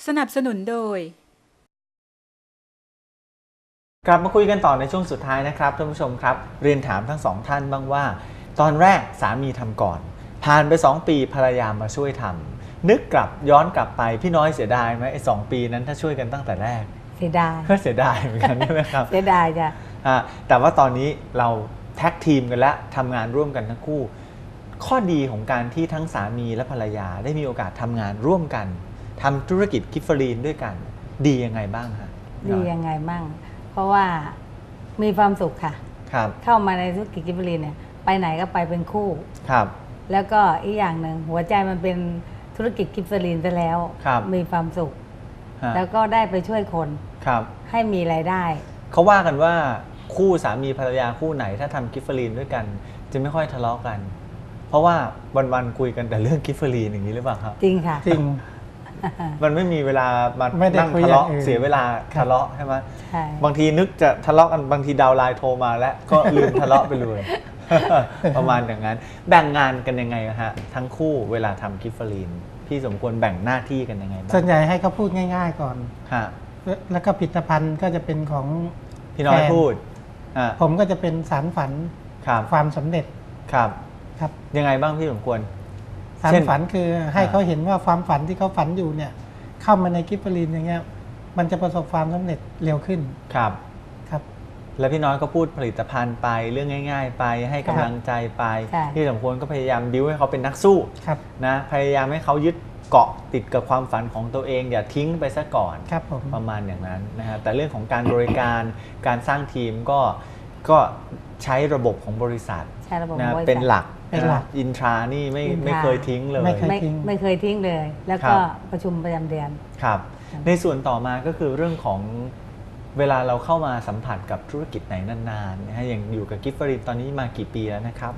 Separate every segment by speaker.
Speaker 1: สนับสนุนโดย
Speaker 2: กลับมาคุยกันต่อในช่วงสุดท้ายนะครับท่านผู้ชมครับเรียนถามทั้งสองท่านบ้างว่าตอนแรกสามีทำก่อนผ่านไป2 ปีภรรยามาช่วยทำนึกย้อนกลับไปพี่น้อยเสียดายไหมไอ้2 ปีนั้นถ้าช่วยกันตั้งแต่แรก
Speaker 3: เสียดาย
Speaker 2: ก็เสียดายเหมือนกันใช่ไหมครับ
Speaker 3: เสียดายจ้ะ
Speaker 2: แต่ว่าตอนนี้เราแท็กทีมกันแล้วทำงานร่วมกันทั้งคู่ข้อดีของการที่ทั้งสามีและภรรยาได้มีโอกาสทำงานร่วมกันทำธุรกิจกิฟเฟอรีนด้วยกันดียังไงบ้างฮะ
Speaker 3: ดียังไงบ้างเพราะว่ามีความสุขค่ะ
Speaker 2: ครับ
Speaker 3: เข้ามาในธุรกิจกิฟเฟอรีนเนี่ยไปไหนก็ไปเป็นคู่
Speaker 2: ครับ
Speaker 3: แล้วก็อีกอย่างหนึ่งหัวใจมันเป็นธุรกิจกิฟเฟอรีนซะแล้วมีความสุขแล้วก็ได้ไปช่วยคนให้มีรายได้
Speaker 2: เขาว่ากันว่าคู่สามีภรรยาคู่ไหนถ้าทำกิฟเฟอรีนด้วยกันจะไม่ค่อยทะเลาะกันเพราะว่าวันๆคุยกันแต่เรื่องกิฟเฟอรีนอย่างนี้หรือเปล่าครับ
Speaker 3: จริงค่ะ
Speaker 4: จริง
Speaker 2: มันไม่มีเวลามานั่งทะเลาะเสียเวลาทะเลาะใช่ไหมบางทีนึกจะทะเลาะกันบางทีดาวไลน์โทรมาแล้วก็ลืมทะเลาะไปเลยประมาณอย่างนั้นแบ่งงานกันยังไงฮะทั้งคู่เวลาทำกิฟเฟอรีนพี่สมควรแบ่งหน้าที่กันยังไงบ้าง
Speaker 4: ส่วนใหญ่ให้เขาพูดง่ายๆก่อนแล้วก็ผลิตภัณฑ์ก็จะเป็นของ
Speaker 2: พี่น้อยพูด
Speaker 4: ผมก็จะเป็นสารฝันความสำเร็จ
Speaker 2: ครับ
Speaker 4: ครับ
Speaker 2: ยังไงบ้างพี่สมควร
Speaker 4: สารฝันคือให้เขาเห็นว่าความฝันที่เขาฝันอยู่เนี่ยเข้ามาในกิฟเฟอรีนอย่างเงี้ยมันจะประสบความสำเร็จเร็วขึ้น
Speaker 2: ครับ
Speaker 4: ครับ
Speaker 2: แล้วพี่น้อยก็พูดผลิตภัณฑ์ไปเรื่องง่ายๆไปให้กำลังใจไปที่สมควรก็พยายามบิ้วให้เขาเป็นนักสู้นะพยายามให้เขายึดเกาะติดกับความฝันของตัวเองอย่าทิ้งไปซะก่อนประมาณอย่างนั้นนะฮะแต่เรื่องของการบริการการสร้างทีมก็ใช้ระบบของบริษัทนะเป็นหลักอินทรานี่ไม่เคยทิ้งเลย
Speaker 3: ไม่เคยทิ้งเลยแล้วก็ประชุมประจำเดือน
Speaker 2: ครับในส่วนต่อมาก็คือเรื่องของเวลาเราเข้ามาสัมผัสกับธุรกิจไหนนานๆนะฮะอย่างอยู่กับกิฟเฟอรีนตอนนี้มากี่ปีแล้วนะครับ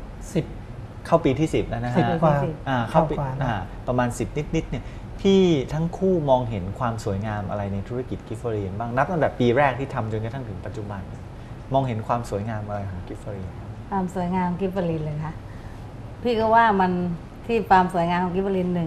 Speaker 4: 10
Speaker 2: เข้าปีที่10แล้วนะฮะ
Speaker 4: 10 กว่า
Speaker 2: เข้าปีประมาณ10นิดเนี่ยพี่ทั้งคู่มองเห็นความสวยงามอะไรในธุรกิจกิฟเฟอรีนบ้างนับตั้งแต่ปีแรกที่ทำจนกระทั่งถึงปัจจุบันมองเห็นความสวยงามอะไรของกิฟเฟอรีน
Speaker 3: ความสวยงามกิฟเฟอรีนเลยค่ะพี่ก็ว่ามันที่ความสวยงามของกิฟเฟอรีน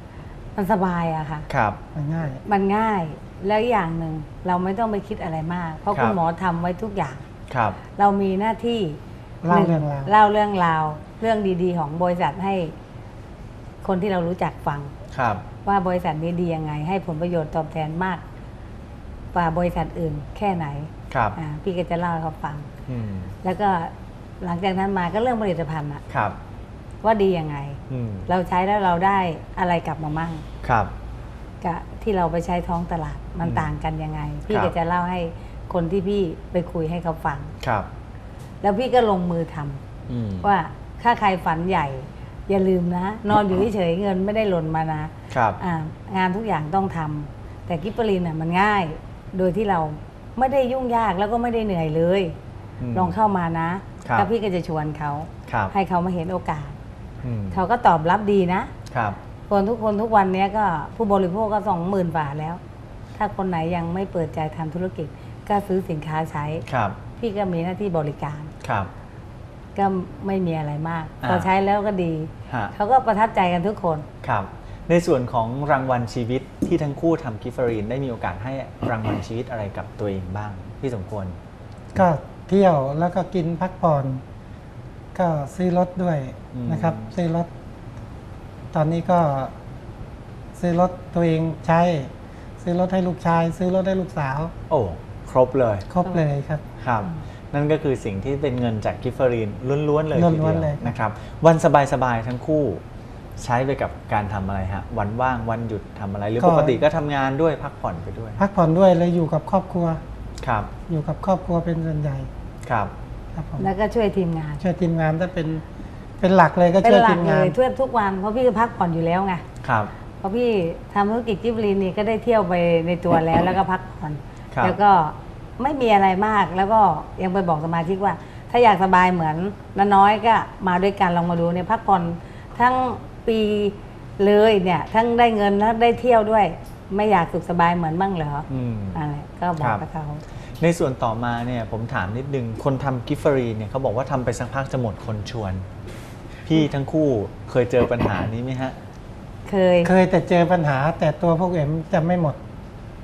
Speaker 3: 1มันสบายอะค่ะ
Speaker 2: ครับ
Speaker 4: มันง่
Speaker 3: ายแล้วอย่างหนึ่งเราไม่ต้องไปคิดอะไรมากเพราะคุณหมอทำไว้ทุกอย่าง
Speaker 2: ครับ
Speaker 3: เรามีหน้าที่
Speaker 4: เล่าเ
Speaker 3: รื่องราวเรื่องดีๆของบริษัทให้คนที่เรารู้จักฟังว่าบริษัทนี้ดียังไงให้ผลประโยชน์ตอบแทนมากกว่าบริษัทอื่นแค่ไหนพี่ก็จะเล่าให้เขาฟังแล้วก็หลังจากนั้นมาก็เรื่องผลิตภัณฑ์อะว่าดียังไงเราใช้แล้วเราได้อะไรกลับมามั่งกับที่เราไปใช้ท้องตลาดมันต่างกันยังไงพี่ก็จะเล่าให้คนที่พี่ไปคุยให้เขาฟังแล้วพี่ก็ลงมือทำว่าถ้าใครฝันใหญ่อย่าลืมนะนอนอยู่เฉยเงินไม่ได้หล่นมานะงานทุกอย่างต้องทำแต่กิฟเฟอรีนมันง่ายโดยที่เราไม่ได้ยุ่งยากแล้วก็ไม่ได้เหนื่อยเลยลองเข้ามานะแล้วพี่ก็จะชวนเขาให้เขามาเห็นโอกาสเขาก็ตอบรับดีนะคนทุกวันนี้ก็ผู้บริโภคก็20,000 บาทแล้วถ้าคนไหนยังไม่เปิดใจทำธุรกิจก็ซื้อสินค้าใช้พี่ก็มีหน้าที่บริการก็ไม่มีอะไรมากพอใช้แล้วก็ดีเขาก็ประทับใจกันทุกคน
Speaker 2: ครับในส่วนของรางวัลชีวิตที่ทั้งคู่ทำกิฟเฟอรีนได้มีโอกาสให้รางวัลชีวิตอะไรกับตัวเองบ้างพี่สมควร
Speaker 4: ก็เที่ยวแล้วก็กินพักผ่อนก็ซื้อรถด้วยนะครับซื้อรถตอนนี้ก็ซื้อรถตัวเองใช้ซื้อรถให้ลูกชายซื้อรถให้ลูกสาว
Speaker 2: โอ้ครบเลย
Speaker 4: ครับ
Speaker 2: ครับนั่นก็คือสิ่งที่เป็นเงินจากกิฟเฟอรีนล้วนๆเลยทีเดียวนะครับวันสบายๆทั้งคู่ใช้ไปกับการทำอะไรฮะวันว่างวันหยุดทำอะไรหรือปกติก็ทำงานด้วยพักผ่อนไปด้วย
Speaker 4: พักผ่อนด้วยเลยอยู่กับครอบครัว
Speaker 2: ครับ
Speaker 4: อยู่กับครอบครัวเป็นส่วนใหญ่
Speaker 2: ครับ
Speaker 3: แล้วก็ช่วยทีมงาน
Speaker 4: ถ้าเป็นหลักเลยก็ช่วยทีมงาน
Speaker 3: ช่วยทุกวันเพราะพี่ก็พักผ่อนอยู่แล้วไง
Speaker 2: ครับ
Speaker 3: เพราะพี่ทำธุรกิจกิฟเฟอรีนนี่ก็ได้เที่ยวไปในตัวแล้วแล้วก็พักผ่อนแล้วก็ไม่มีอะไรมากแล้วก็ยังไปบอกสมาชิกว่าถ้าอยากสบายเหมือนน้อยก็มาด้วยกันลองมาดูเนี่ยพักผ่อนทั้งปีเลยเนี่ยทั้งได้เงินแล้วได้เที่ยวด้วยไม่อยากสุขสบายเหมือนบ้างเหรออะไรก็บอกกับเขา
Speaker 2: ในส่วนต่อมาเนี่ยผมถามนิดนึงคนทำกิฟเฟอรีนเนี่ยเขาบอกว่าทำไปสักพักจะหมดคนชวนพี่ทั้งคู่เคยเจอปัญหานี้ไหมฮะ
Speaker 4: เคยแต่เจอปัญหาแต่ตัวพวกเอ็มจะไม่หมด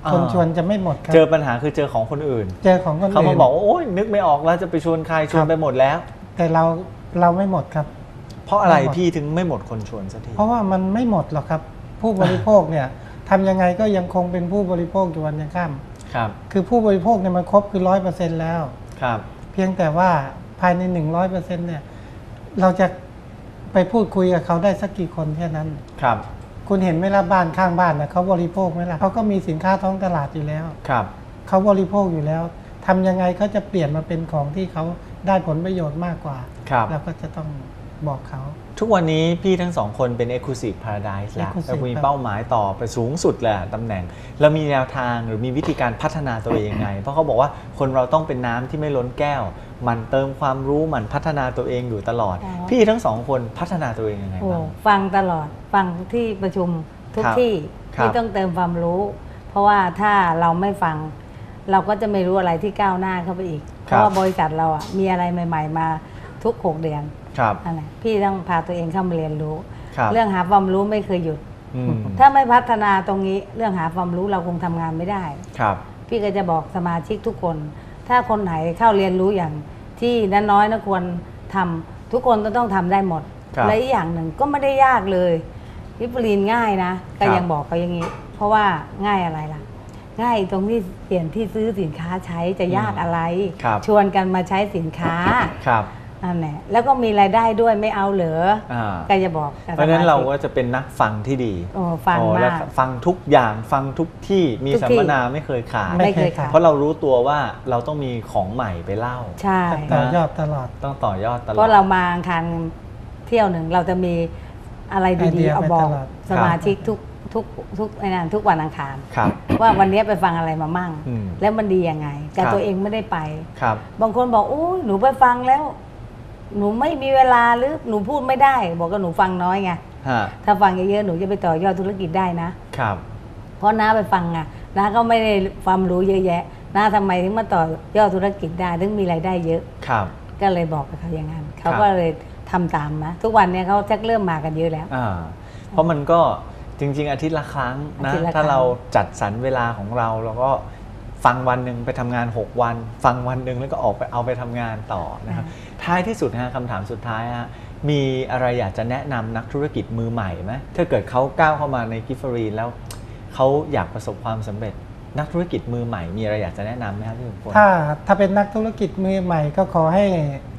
Speaker 4: คนชวนจะไม่หมดครับ
Speaker 2: เจอปัญหาคือเจอของคนอื่น
Speaker 4: เจอของคนอื่น
Speaker 2: เขามาบอกว่าโอ๊ยนึกไม่ออกแล้วจะไปชวนใครชวนไปหมดแล้ว
Speaker 4: แต่เราไม่หมดครับ
Speaker 2: เพราะอะไรพี่ถึงไม่หมดคนชวนสักที
Speaker 4: เพราะว่ามันไม่หมดหรอกครับผู้บริโภคเนี่ยทำยังไงก็ยังคงเป็นผู้บริโภคอยู่วันยังค่ำ
Speaker 2: ครับ
Speaker 4: คือผู้บริโภคเนี่ยมันครบคือ100%แล้ว
Speaker 2: ครับ
Speaker 4: เพียงแต่ว่าภายใน100%เนี่ยเราจะไปพูดคุยกับเขาได้สักกี่คนแค่นั้น
Speaker 2: ครับ
Speaker 4: คุณเห็นไหมล่ะบ้านข้างบ้านนะเขาบริโภคไหมล่ะเขาก็มีสินค้าท้องตลาดอยู่แล้ว
Speaker 2: ครับ
Speaker 4: เขาบริโภคอยู่แล้วทำยังไงเขาจะเปลี่ยนมาเป็นของที่เขาได้ผลประโยชน์มากกว่าแล้วก็จะต้องบอกเขา
Speaker 2: ทุกวันนี้พี่ทั้งสองคนเป็น Exclusive Paradise แล้วมีเป้าหมายต่อไปสูงสุดแหละตำแหน่งแล้วมีแนวทางหรือมีวิธีการพัฒนาตัวเองยังไงเพราะเขาบอกว่าคนเราต้องเป็นน้ำที่ไม่ล้นแก้วมันเติมความรู้มันพัฒนาตัวเองอยู่ตลอดพี่ทั้งสองคนพัฒนาตัวเองยังไงบ้าง
Speaker 3: ฟังตลอดฟังที่ประชุมทุกที่ที่ต้องเติมความรู้ เพราะว่าถ้าเราไม่ฟังเราก็จะไม่รู้อะไรที่ก้าวหน้าเข้าไปอีกเพราะว่าบริษัทเราอ่ะมีอะไรใหม่ๆมาทุก6 เดือนนั่นแหละพี่ต้องพาตัวเองเข้ามาเรียนรู้เรื่องหาความรู้ไม่เคยหยุดถ้าไม่พัฒนาตรงนี้เรื่องหาความรู้เราคงทำงานไม่ได้พี่ก็จะบอกสมาชิกทุกคนถ้าคนไหนเข้าเรียนรู้อย่างที่น้อยนะควรทำทุกคนต้องทำได้หมดและอีกอย่างหนึ่งก็ไม่ได้ยากเลยวิปริญง่ายนะก็ยังบอกเขาอย่างนี้เพราะว่าง่ายอะไรล่ะง่ายตรงที่เปลี่ยนที่ซื้อสินค้าใช้จะยากอะไรชวนกันมาใช้สินค้านั่นแหละแล้วก็มีรายได้ด้วยไม่เอาเหรอก็จะบอก
Speaker 2: เพราะฉะนั้นเราก็จะเป็นนักฟังที่ดี
Speaker 3: ฟังมาก
Speaker 2: ฟังทุกอย่างฟังทุกที่มีสัมมนาไม่เคยขาดเพราะเรารู้ตัวว่าเราต้องมีของใหม่ไปเล่า
Speaker 3: ใช่
Speaker 4: ต่อยอดตลอด
Speaker 2: ต้องต่อยอดตลอด
Speaker 3: เพราะเรามาคันเที่ยวหนึ่งเราจะมีอะไรดีๆเอาบอกสมาชิกทุกวันอังคารว่าวันนี้ไปฟังอะไรมามั่งแล้วมันดียังไงแต่ตัวเองไม่ได้ไปบางคนบอกโอ้หนูไปฟังแล้วหนูไม่มีเวลาหรือหนูพูดไม่ได้บอกว่าหนูฟังน้อยไงถ้าฟังเยอะๆหนูจะไปต่อยอดธุรกิจได้นะครับเพราะน้าไปฟังอ่ะน้าก็ไม่ได้ความรู้เยอะแยะน้าทำไมถึงมาต่อยอดธุรกิจได้ถึงมีรายได้เยอะก็เลยบอกกับเขาอย่างนั้นเขาก็เลยทำตามนะทุกวันนี้เขาชักเริ่มมากันเยอะแล้ว
Speaker 2: เพราะมันก็จริงๆอาทิตย์ละครั้งนะถ้าเราจัดสรรเวลาของเราแล้วก็ฟังวันหนึ่งไปทำงาน6 วันฟังวันหนึ่งแล้วก็ออกไปเอาไปทำงานต่อนะครับท้ายที่สุดนะคำถามสุดท้ายมีอะไรอยากจะแนะนำนักธุรกิจมือใหม่ไหมถ้าเกิดเขาก้าวเข้ามาในกิฟเฟอรีนแล้วเขาอยากประสบความสำเร็จนักธุรกิจมือใหม่มีอะไรอยากจะแนะนำไหมครับพี่สมพล
Speaker 4: ถ้าเป็นนักธุรกิจมือใหม่ก็ขอให้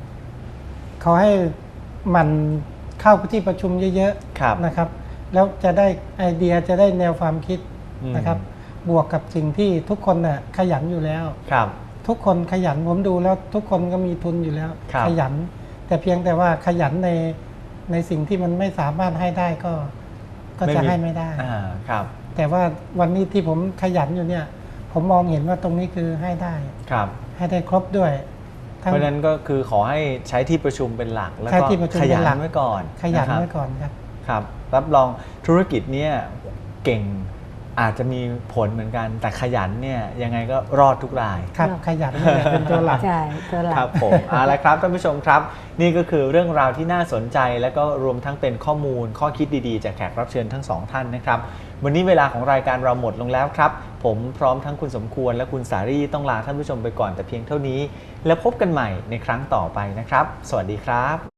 Speaker 4: มันเข้าที่ประชุมเยอะๆนะครับแล้วจะได้ไอเดียจะได้แนวความคิดนะครับบวกกับสิ่งที่ทุกคนน่ะขยันอยู่แล้วทุกคนขยันผมดูแล้วทุกคนก็มีทุนอยู่แล้วขยันแต่เพียงแต่ว่าขยันในสิ่งที่มันไม่สามารถให้ได้ก็จะให้ไม่ได้แต่ว่าวันนี้ที่ผมขยันอยู่เนี่ยผมมองเห็นว่าตรงนี้คือให้ได้ให้ได้ครบด้วย
Speaker 2: เพราะฉะนั้นก็คือขอให้ใช้ที่ประชุมเป็นหลักแล้วก็ขยันไว้ก่อน
Speaker 4: ขยันไว้ก่อน
Speaker 2: ครับรับรองธุรกิจเนี่ยเก่งอาจจะมีผลเหมือนกันแต่ขยันเนี่ยยังไงก็รอดทุกราย
Speaker 4: ครับขยันเนี่ยเป็นตัวหลัก
Speaker 3: ใช่ตัวหลัก
Speaker 2: ครับผมเอาละครับท่านผู้ชมครับนี่ก็คือเรื่องราวที่น่าสนใจและก็รวมทั้งเป็นข้อมูลข้อคิดดีๆจากแขกรับเชิญทั้ง2ท่านนะครับวันนี้เวลาของรายการเราหมดลงแล้วครับผมพร้อมทั้งคุณสมควรและคุณสารีต้องลาท่านผู้ชมไปก่อนแต่เพียงเท่านี้แล้วพบกันใหม่ในครั้งต่อไปนะครับสวัสดีครับ